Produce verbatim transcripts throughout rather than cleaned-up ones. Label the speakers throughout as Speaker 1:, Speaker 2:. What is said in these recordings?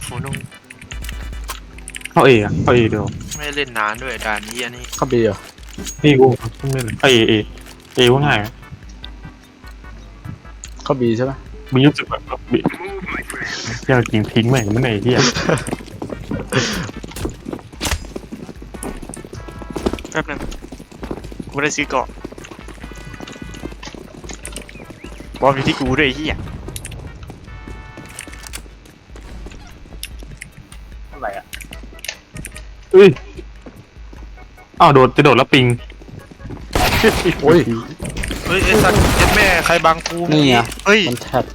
Speaker 1: โอ้นุ่ง
Speaker 2: เข้าเออะเข้าเอเดียว
Speaker 1: ไม่เล่นนานด้วยด่านนี้อันนี้
Speaker 3: เข้าบีเหรอ
Speaker 2: นี่กูเพิ่งเล่นเข้าเอเอเอว่าง่าย
Speaker 3: เข้าบีใช่ไหม
Speaker 2: มีรู้สึกแบบบีเที่ยวจริงทิ้งแม่งไม่ไหนที่อ่ะ
Speaker 1: แป๊บนึงกูไม่ได้ซื้อเกาะบอลอยู่ที่กูด้วยไอ้เหี้ยอะไรอ่ะ
Speaker 2: เอ้ยอ้าวโดดจะโดดแล้วปิง
Speaker 3: โอ้ย
Speaker 1: เฮ้ยไอ้สัตว์เจ็ดแม่ใครบังกู
Speaker 3: นี่ไง
Speaker 1: เฮ้ย
Speaker 3: มันแท็บ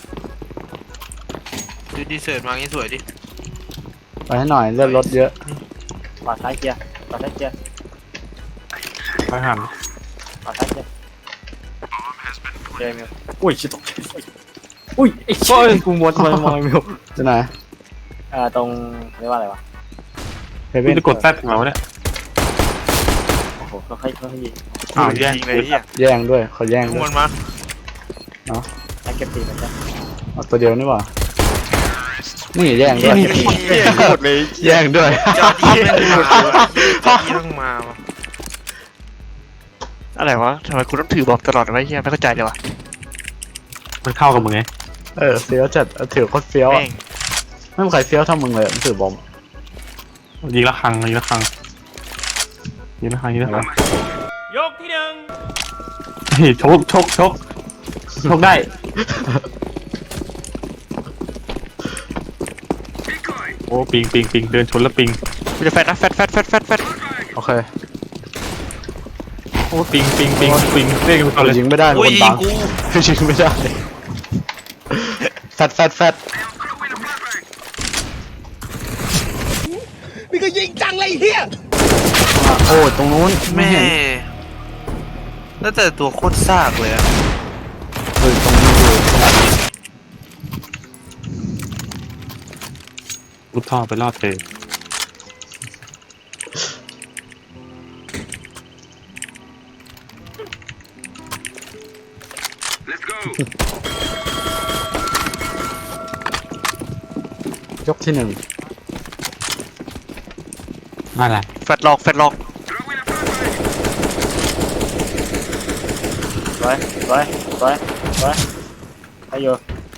Speaker 1: ดูดีเสิร์ตมางี้สวยดิ
Speaker 3: ไปให้หน่อยเลือดรถเยอะ
Speaker 4: ขวาซ้ายเกียร์ขวาซ้ายเกียร์
Speaker 2: ไปหัน
Speaker 4: ขวาซ้ายเกียร์เกียร์มิวอุ้ยชิบตกอุ้ยไอ้ช่วยกูมดมามองมิว
Speaker 3: จะไหน
Speaker 4: เอ่อตรงเรียกว่าอะไรวะ
Speaker 3: เฮเว่น
Speaker 2: จะกดแซดของเราเนี่ย
Speaker 4: โอ้โหค่อยๆค่อยๆยิง
Speaker 2: อ้าวแย่ง
Speaker 1: เลยเหี้ย
Speaker 3: แย่งด้วยเขาแย่งด้วย
Speaker 1: มันมา
Speaker 3: เนาะ
Speaker 4: ไอ้เก็บตีมันจะ
Speaker 3: เอาตัวเดียวนี่หว่านี่แย่งด้วย
Speaker 1: แย่งหมดเลย
Speaker 3: แย่งด้วย
Speaker 1: จอดีแม่งมาจอดีต้องมาอะไรวะทำไมคุณต้องถือบอกตลอดวะเฮียไม่เข้าใจเลยวะ
Speaker 2: มันเข้ากับมึงไง
Speaker 3: เออเฟี้ยวจัดถือโคตรเฟี้ยวอ่ะไม่มีใครเฟี้ยวเท่ามึงเลยมันถือบอม
Speaker 2: ยิงละครังยิงละครังยิงละครังยิงละครัง
Speaker 1: ยกที่หนึ่ง
Speaker 2: เฮ้ยชกชกชกชกได้โอ้ปิงปิงปิงเดินชนแล้วปิง
Speaker 1: กูจะแฟดนะแฟดแฟดแฟดแฟดแฟด
Speaker 3: โอเค
Speaker 2: โอ้ปิงปิงปิงปิงเรียกกันเลย
Speaker 3: ยิงไม่ได้คนบังยิงไม่ได้แฟดแฟดแฟด
Speaker 1: นี่ก็ยิงจังเลยเฮีย
Speaker 3: โอ้ตรงนู้น
Speaker 1: แม่แล้วแต่ตัวโคตรซากเลยอะ
Speaker 3: เฮ้ยตรงนี้เลย
Speaker 2: มุดท่อไปรอดเธ
Speaker 3: อยกที่หนึ่ง
Speaker 2: อะไร
Speaker 1: แฟดหลอกแฟดหลอก
Speaker 4: สวยสวยสวยสวยไปอยู่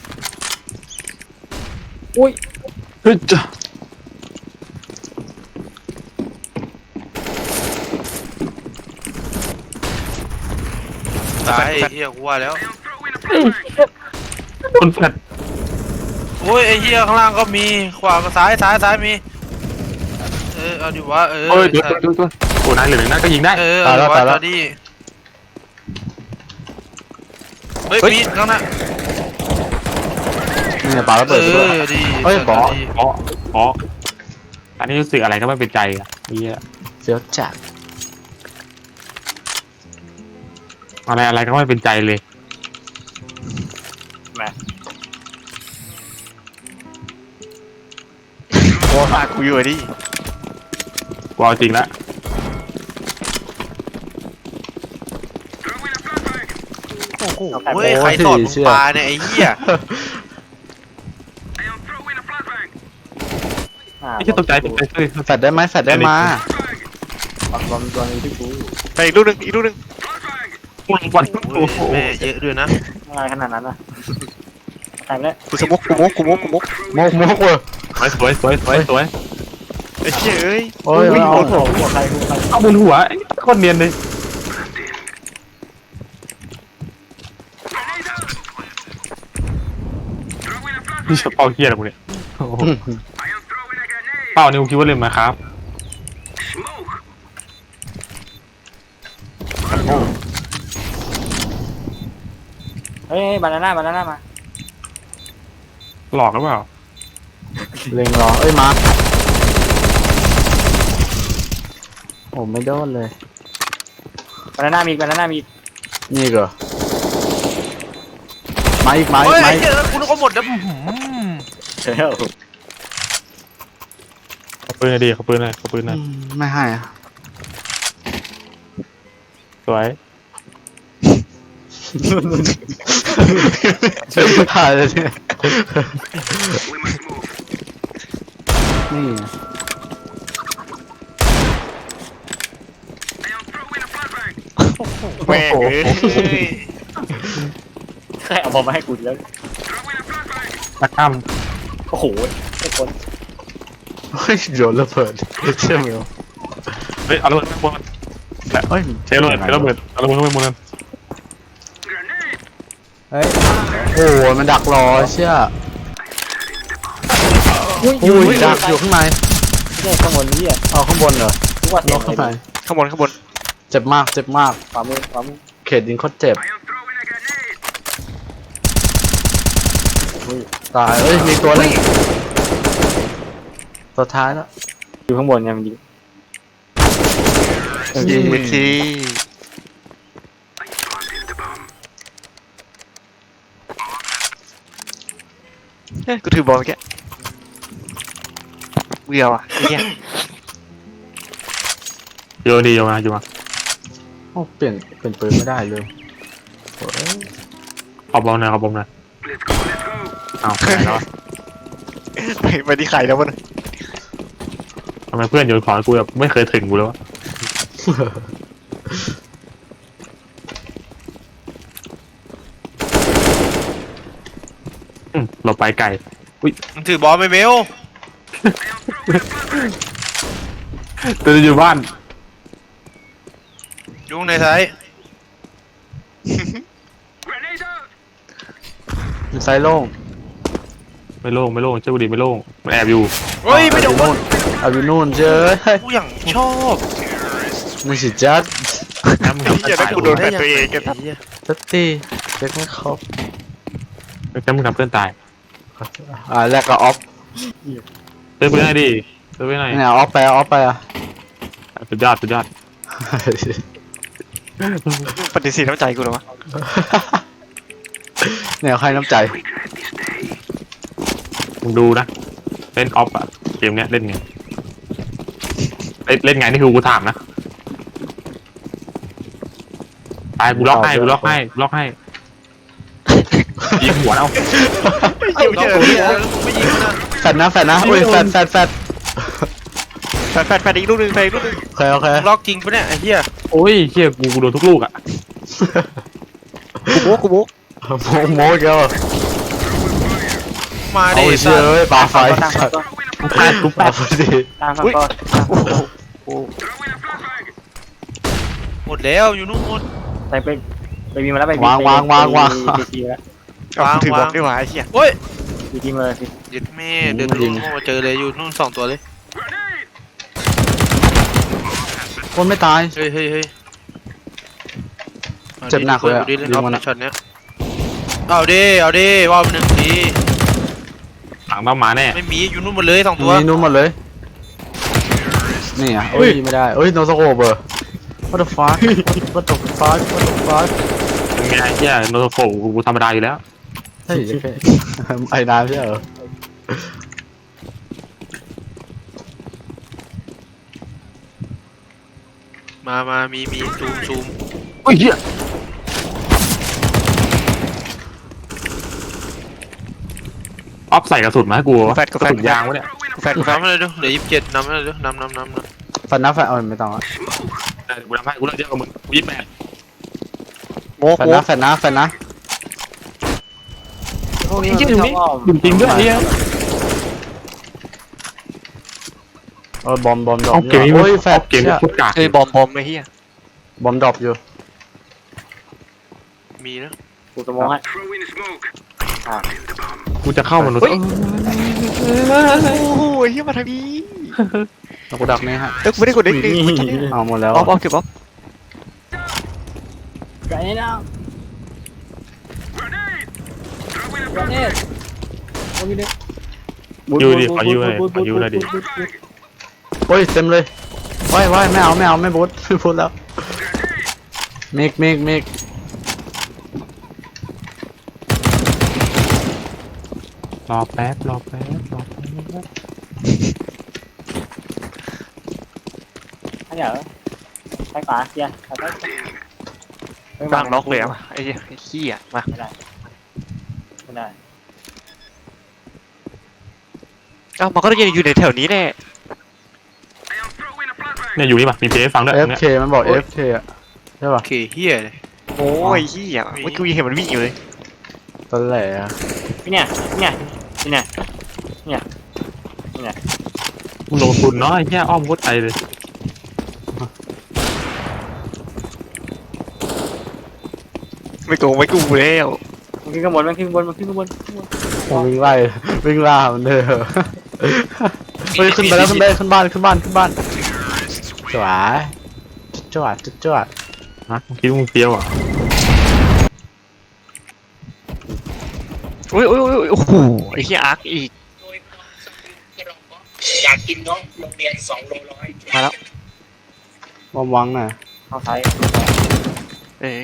Speaker 4: อุ้ย
Speaker 2: เฮ้ยจ้ะ
Speaker 1: ตายไอ้เหี้ยกูว่าแล้ว
Speaker 2: คนแฟด
Speaker 1: โอ้ยไอ้เหี้ยข้างล่างก็มีขวากับซ้ายซ้ายซ้ายมีเออเอาดิวะเออ
Speaker 2: เฮ้ยเดี๋ยวเดี๋ยวตัวโอ้นายเหลือหนึ่งนัดก็ยิงได้
Speaker 1: เออเอาดิวะจอดีเฮ้ยปีนข้างหน้า
Speaker 3: นี่ปาระเบิดด้วย
Speaker 1: เฮ้ย
Speaker 2: บอสบอสบอสอันนี้รู้สึกอะไรก็ไม่เป็นใจอ่ะนี่
Speaker 3: เสียวจัด
Speaker 2: อะไรอะไรก็ไม่เป็นใจเลย
Speaker 4: แม่
Speaker 1: โอ้ฝากกูอยู่ดิ
Speaker 2: กูเอาจริงละ
Speaker 1: โอ้โหเฮ้ยใครสอนมึงปลาเนี่ยไอ้เหี้ย
Speaker 2: ไม่ใช่ตกใจตกใจเลย
Speaker 3: แฟดได้ไหมแฟดได้มา
Speaker 4: บอลบอลบอลที่กู
Speaker 1: ไปอีกลูกหนึ่งอีกลูกหนึ่ง
Speaker 2: วัน
Speaker 1: แม่เยอะด้วยนะ
Speaker 4: อะไรขนาดนั้นอ่ะตายไปแล้ว
Speaker 1: กูสมุกกูมุกกูมุกกูมุก
Speaker 3: มกมกเว้ย
Speaker 2: สวยสวยสวยสวย
Speaker 1: ไอ้เหี้ยเอ้ย
Speaker 3: โอ้ย
Speaker 4: เอาหัวหัวใครหัวใคร
Speaker 2: เอาบนหัวโคตรเนียนเลยนี่เฉพาะเฮียอะไรกูเนี่ยเป้านี่กูคิดว่าเล่นมาครับ
Speaker 4: เฮ้ยบานาน่าบานาน่ามา
Speaker 2: หลอกหรือเปล่า
Speaker 3: เล็งรอเอ้ยมาโอ้ไม่โดนเลย
Speaker 4: บานาน่ามีบานาน่ามี
Speaker 3: นี่เหรอมาอีกมาอีกมาอีก
Speaker 1: กูนึกว่าหมดแล้ว
Speaker 4: เฮ้ย
Speaker 2: เขาปืนอะไรดีเขาปืนอะไรเขาปืนอะไร
Speaker 3: ไม่ให้อะ
Speaker 2: สวย
Speaker 3: หายเลยเนี่ยนี่
Speaker 5: แม่งเอ้ย
Speaker 4: ใครเอาบอลมาให้กูแล้ว
Speaker 2: ตะข้าม
Speaker 4: โอ้โหไอ้คน
Speaker 3: เฮ้ยโดนระเบิดใช่ไหมวะ
Speaker 2: เฮ้ยเอาระเบิดไปบน
Speaker 3: เฮ้ย
Speaker 2: เชฟระเบิดเชฟระเบิดเอาระเบิดเข้าไปบนนั้น
Speaker 3: เฮ้ยโอ้โหมันดักรอเชี่ย
Speaker 4: อุ้ย
Speaker 3: อุ้ยดักอยู่ข้างใน
Speaker 4: เนี่ยข้างบนนี่อ่ะ
Speaker 3: เอาข้างบนเหรอ
Speaker 4: ทุกวัน
Speaker 3: น
Speaker 4: เนี่ย
Speaker 3: กข้างใน
Speaker 5: ข้างบนข้างบน
Speaker 3: เจ็บมากเจ็บมาก
Speaker 4: ขวามือขวามือ
Speaker 3: เขตยิงโคตรเจ็บตายเอ้ยมีตัวหนึงตัวท้ายแล้ว
Speaker 4: อยู่ข้างบนเนี่ยมันยิง
Speaker 5: ยิงไปทีเฮ้ยกูถือบอลเมื่อกี้เบี้ยวอ่ะไอ้เหี้ย
Speaker 2: โยนดีโยนมาโยนมา
Speaker 3: โอ้เปลี่ยนเปลี่ยนปืนไม่ได้เลยโอ้ย
Speaker 2: ขอบอลหน่อยขอบอลหน่อยเอาไปแล้ว
Speaker 5: ไปไปที่ไข่แล้วมัน
Speaker 2: ทำไมเพื่อนโยนของให้กูแบบไม่เคยถึงกูเลยวะอืมเราไปไกล
Speaker 1: มันถือบอลไปเบล
Speaker 2: เดินอยู่บ้าน
Speaker 1: ยุ่งในซ้าย
Speaker 3: มันไซโล่ง
Speaker 2: ไม่โล่งไม่โล่งเจ้าบุรีไม่โล่งมันแอบอยู่
Speaker 1: เฮ้ยไม่โดน
Speaker 3: เอาอยู่นู่นเจ้ย
Speaker 1: กูอย่างชอบ
Speaker 3: มึงสิจัด
Speaker 2: น้ำมึง
Speaker 5: อย่าได้กูโดนแฟนตัวเองกัน
Speaker 1: ไหี้ย
Speaker 3: ตัดตีเช็คไม่ครบ
Speaker 2: น้ำมึงทำเพื่อนตาย
Speaker 3: อ่าแรกก็ออฟ
Speaker 2: เติมไปไหนดิเติมไปไหน
Speaker 3: เนี่ยออฟไปออฟไปอ่ะ
Speaker 2: สุดยอดสุดยอด
Speaker 5: ปฏิเสธน้ำใจกูเหรอวะ
Speaker 3: เนี่ยใครน้ำใจ
Speaker 2: มึงดูนะเล่นออฟอะเกมเนี้ยเล่นไงเล่นเล่นไงนี่คือกูถามนะตายกูล็อกให้กูล็อกให้กูล็อกให้ยิงหัวเอา
Speaker 5: ยิงไม่
Speaker 1: ล็อก
Speaker 5: เจอ
Speaker 1: ตัวนี้แล้วไม่ยิงมันนะ
Speaker 3: แฟดนะแฟดนะอุ้ยแฟดแฟดแฟด
Speaker 5: แฟนแฟนแฟนอีกลูกหนึงแฟนอีกลูกหนึง
Speaker 3: โอเคโอเค
Speaker 1: ล็อกจริงปะเนี่ยไอ้เหี้ย
Speaker 2: โอ้ยเชี่ยกูกูโดนทุกลูกอะ
Speaker 5: กูโบ๊กกูโบ๊ก
Speaker 3: โมโมเกี่ยว
Speaker 1: มา
Speaker 3: เอา
Speaker 1: ดิ
Speaker 3: เชื่อเอ้ยปาไฟ
Speaker 4: ตั้ง
Speaker 3: สัตว์
Speaker 2: กูแปดกูแป
Speaker 3: ปา
Speaker 2: ด
Speaker 3: ไฟดิ
Speaker 4: ตั้งก่อน
Speaker 5: โอ้โหโอ้โห
Speaker 1: หมดแล้วอยู่นู่นหมด
Speaker 4: ไปไปไปมีมาแล้วไป
Speaker 3: วางวางวางวาง
Speaker 4: ไปทีแล้ว
Speaker 5: เอากูถือบอล
Speaker 1: วาง
Speaker 5: ด้วยวะไอ้เหี้ย
Speaker 1: เฮ้ย
Speaker 4: ไปทีมาเลยสิ
Speaker 1: ยึดแม่เดินลงมาเจอเลยอยู่นู่นสองตัวเลย
Speaker 3: คนไม่ตาย
Speaker 1: เฮ้ยเฮ้ยเฮ้ย
Speaker 3: เจ็บหนักเลยอะ
Speaker 1: ดิเล่น
Speaker 3: ยิ
Speaker 1: อง อฟ
Speaker 3: มัน
Speaker 1: ใน
Speaker 3: อะ
Speaker 1: ช็อตเนี้ยเอาดิเอาดิว่าไปหนึ่งที
Speaker 2: หลังต้องมาแน่
Speaker 1: ไม่มีอยู่นู่นหมดเลยสองตัว
Speaker 3: มีนู้นหมดเลยนี่อ่ะเอ้ยไม่ได้เอ้ยโนสโคเบอร์ what the fuck what the fuck what the fuck
Speaker 2: เป็นไงเชี่ยโนโตโฟกูกูธรรมดาอยู่แล้ว
Speaker 3: เฮ้ยไอ้น้ำใช่เหรอ
Speaker 1: มามามีมีซูมซูม
Speaker 2: โอ้ยเหี้ยออฟใส่กระสุนมาให้กูวะ
Speaker 5: แฟนกู
Speaker 2: ก
Speaker 5: แฟ
Speaker 2: ระ
Speaker 5: น
Speaker 2: สุนยางวะเนี่ย
Speaker 5: กูแฟนกูแฟน
Speaker 1: นำมาเลยดูเหลือยี่สิบเจ็ดนำมาเลยดูนำนำนำนำ
Speaker 3: ฟันนะฟันเอาไม่ต้องอ่ะ
Speaker 2: เออกูทำให้กูเลิกเยอะกว่ามึงกูยี่สิบแปด
Speaker 5: โบ๊ก
Speaker 3: ฟัน
Speaker 5: โบ๊
Speaker 3: นะ
Speaker 5: ก
Speaker 3: ฟันนะฟันนะ
Speaker 4: พวกนี้มันชอบอ้อม
Speaker 2: จริงจริงด้วยเนี่ย
Speaker 3: เออบอมบอมดรอ
Speaker 2: เอา
Speaker 3: ป
Speaker 2: เกมนี้
Speaker 3: โอ้ยแฟ
Speaker 2: เอา
Speaker 3: ด
Speaker 2: เกมนี้โคตรกาก
Speaker 5: เอ้ยบอมบอมไอ้เหี้ย
Speaker 3: บอมดรอปอยู่
Speaker 1: มีนะ
Speaker 4: กูจะมองให้
Speaker 2: กูจะเข้ามัน
Speaker 5: เฮ้ยโอ้โหไอ้เหี้ยมาทางนี้
Speaker 3: แล้วกูดักนี่ฮะ
Speaker 5: เอ้ยกูไม่ได้กดเด็กดิ
Speaker 3: เอาหมดแล้ว
Speaker 5: ออฟออฟเก็บออฟ
Speaker 4: ไกลแล้วกระเด็นโอ้ยเด็ก
Speaker 2: ยูดิขอยูเลยขอยูเลยดิ
Speaker 3: โอ้ยเต็มเลยว้ายว้ายไม่เอาไม่เอาไม่บูทไม่บูทแล้วเมกเมกเมก
Speaker 2: รอแป๊บรอแป๊บรอแป๊บ
Speaker 4: อันเหรอไปป่าเฮียไปไป
Speaker 5: กลางล็อกเลยอ่ะไอ้เหี้ยไอ้เหี้ยมา
Speaker 4: ไม่ได้ไม่ได้
Speaker 3: เ
Speaker 5: เอ้ามันก็ต้องอยู่ในแถวนี้แน่
Speaker 2: เนี่ยอยู่นี่ป่ะมีเพลงให้ฟังด้วย
Speaker 3: เอ
Speaker 2: ตร
Speaker 3: ฟ
Speaker 2: งเนี้ย
Speaker 3: เคมันบอก เอฟ เค อะใช่ป่ะ
Speaker 1: โอเคเฮียเลย
Speaker 5: โอ้ยเฮียเมื่อกี้ยังเห็นมันวิ่งอยู่เลย
Speaker 3: ตอนแหลอะ
Speaker 4: เนี่ยเนี่ยเนี่ยเนี่ย
Speaker 2: มึงลงทุนเนาะไอ้เหี้ยอ้อมโคตรไกลเลย
Speaker 5: ไม่โกงไม่กูแล้ว
Speaker 4: มันขึ้นข้างบนมันขึ้นข้างบนมันขึ้นข้างบน
Speaker 3: วิ่งไล่วิ่งล่ามันเลยเฮ้ยขึ้นไปแล้วขึ้นไปขึ้นบ้านขึ้นบ้านขึ้นบ้านจวดจวดจวดจวด
Speaker 2: ฮะมึงคิดว่ามึงเฟี้ยวอ่ะ
Speaker 5: โอ้ยโอ้ยโอ้ยโอ้โหไอ้เฮียอาร์คอีก
Speaker 6: อยากกินเนาะโรงเรียนสองโลร้อย
Speaker 5: มาแล้ว
Speaker 3: วางวังน่ะ
Speaker 4: เข้าซ้าย
Speaker 5: เอ้ย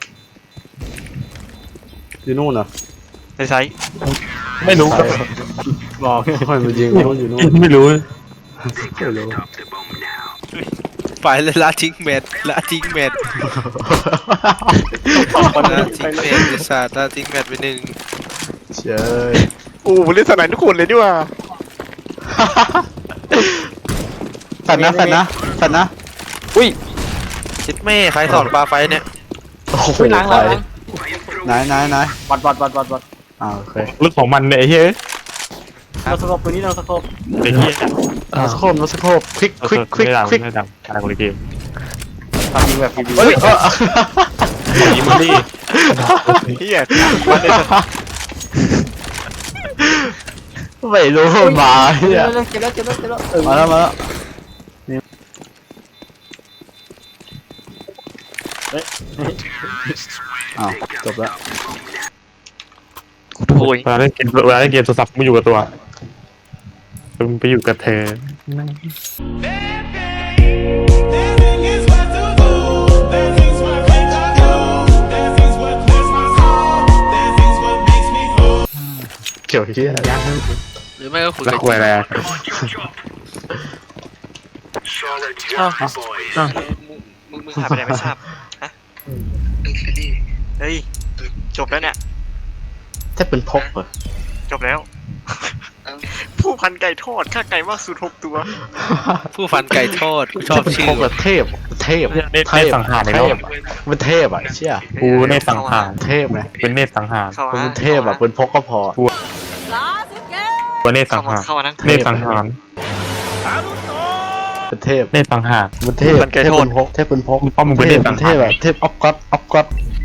Speaker 3: อยู่นู่นเหรอ
Speaker 5: ในไซส์
Speaker 2: ไม่รู้
Speaker 3: ใส่บอกให้มันยิงนู่นอยู่นู่น
Speaker 2: ไม่รู้
Speaker 3: ไม่รู้
Speaker 1: ไปเลยละทิ้งแมทละทิ้งแมทละทิ้งแมทไอ้สัตว์ละทิ้งแมทไปหนึ่ง
Speaker 3: เชย
Speaker 5: โอ้โหเล่นสนามทุกคนเลยดีว่า
Speaker 3: สัตว์นะสัตว์นะสัตว์นะ
Speaker 1: ชิดแม่ใครสอนปลาไฟเนี่ย
Speaker 3: โอ้โห
Speaker 4: ขึ้นล้างล้าง
Speaker 3: ไหนไหนไหน
Speaker 4: วัดวัดวัดวัดวัด
Speaker 3: อ้าวโอเค
Speaker 2: ลึกของมันเนี่ยไอ้เหี้ย
Speaker 4: เราสกปปืนนี้เราสกป
Speaker 2: ไอ้เหี้ย
Speaker 3: โนสโคปโนสโคปคลิกคลิกคลิก
Speaker 2: ไม่ดัง
Speaker 3: คลิก
Speaker 2: ไม่ดังอะไรคนละเกม
Speaker 4: ทำยิงแบบฟรี
Speaker 3: เฮ้ยเออ
Speaker 2: ของนี้มึงดิ
Speaker 5: เฮียมันได้
Speaker 3: ไม่รู้มาเฮีย
Speaker 4: เจ็บแล้วเจ็บแล้วเจ็บแล้วเออ
Speaker 3: มาแล้วมาแล้วนี่อ้าวจบแล้ว
Speaker 5: โอ้ย
Speaker 2: เวลาเล่นเกมเวลาเล่นเกมโทรศัพท์ไม่อยู่กับตัวมึงไปอยู่กับเธอ
Speaker 3: เกี่ยวเฮียอะไร
Speaker 1: หรือไม่ก็คุย
Speaker 2: แล้ว
Speaker 1: กับ
Speaker 2: คุยอะไรอะ
Speaker 5: มึงมึงหายไปไหนไม่ทราบฮะเฮ้ยจบแล้วเนี่ย
Speaker 3: ถ้าเป็นพกเหรอ
Speaker 5: จบแล้ว ผู้พันไก่ทอดค่าไก่มากสุดหกตัว
Speaker 1: ผู้ฟันไก่ทอดกูชอบ
Speaker 3: ถ้าเป็น
Speaker 1: ชื่
Speaker 3: พ
Speaker 1: อก
Speaker 3: แบบเทพเทพ
Speaker 2: เนตเนตสังหารใน
Speaker 3: เท
Speaker 2: โลก
Speaker 3: พมันเทพอ่ะเชี่ย
Speaker 2: กูเนตสังหาร
Speaker 3: เทพไง
Speaker 2: เป็นเนตสังหาร
Speaker 5: เข้า
Speaker 3: เป็น
Speaker 5: มา
Speaker 3: เทพอ่ะเป็นพกก็พอ
Speaker 2: กูเนตสั
Speaker 5: เข้าง มา
Speaker 2: หาร
Speaker 5: เข้ามานั่ง
Speaker 2: เนตสังหาร
Speaker 3: เป็นเทพ
Speaker 2: เนตสังหาร
Speaker 3: มันเทพ
Speaker 5: มันไกล
Speaker 3: เทพ
Speaker 5: โทษ
Speaker 3: เป็นพกเทพเป็นพก
Speaker 2: มึงป้อมมึงเป็นเนตสังหาร
Speaker 3: เทพแบบเทพออฟก็อดออฟก็อด